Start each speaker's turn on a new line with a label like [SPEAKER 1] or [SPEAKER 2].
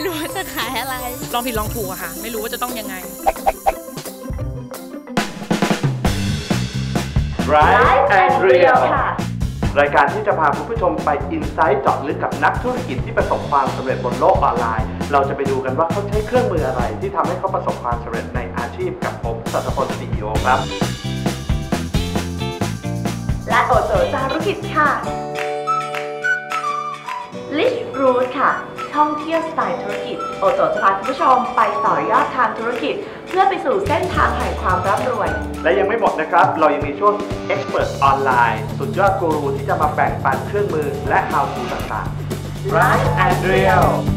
[SPEAKER 1] รู้ว่าจะขายอะไรลองผิดลองถูกอะค่ะไม่รู้ว่าจะต้องยังไง
[SPEAKER 2] Right and Real รายการที่จะพาคุณผู้ชมไปอินไซต์เจาะลึกกับนักธุรกิจที่ประสบความสำเร็จบนโลกออนไลน์เราจะไปดูกันว่าเขาใช้เครื่องมืออะไรที่ทำให้เขาประสบความสำเร็จในอาชีพกับผมสัตพล CEO ครับ
[SPEAKER 3] และโอโจจารุกิจค่ะ Rich Route ค่ะท่องเที่ยวสไตล์ธุรกิจโอโจจะพาคุณผู้ชมไปต่อยอดทางธุรกิจเพื่อไปสู่เส้นทางแห่งความร่ำรวย
[SPEAKER 2] และยังไม่หมดนะครับเรายังมีช่วง Expert ออนไลน์สุดยอดกูรูที่จะมาแบ่งปันเครื่องมือและ How to ต่างๆ Right and Real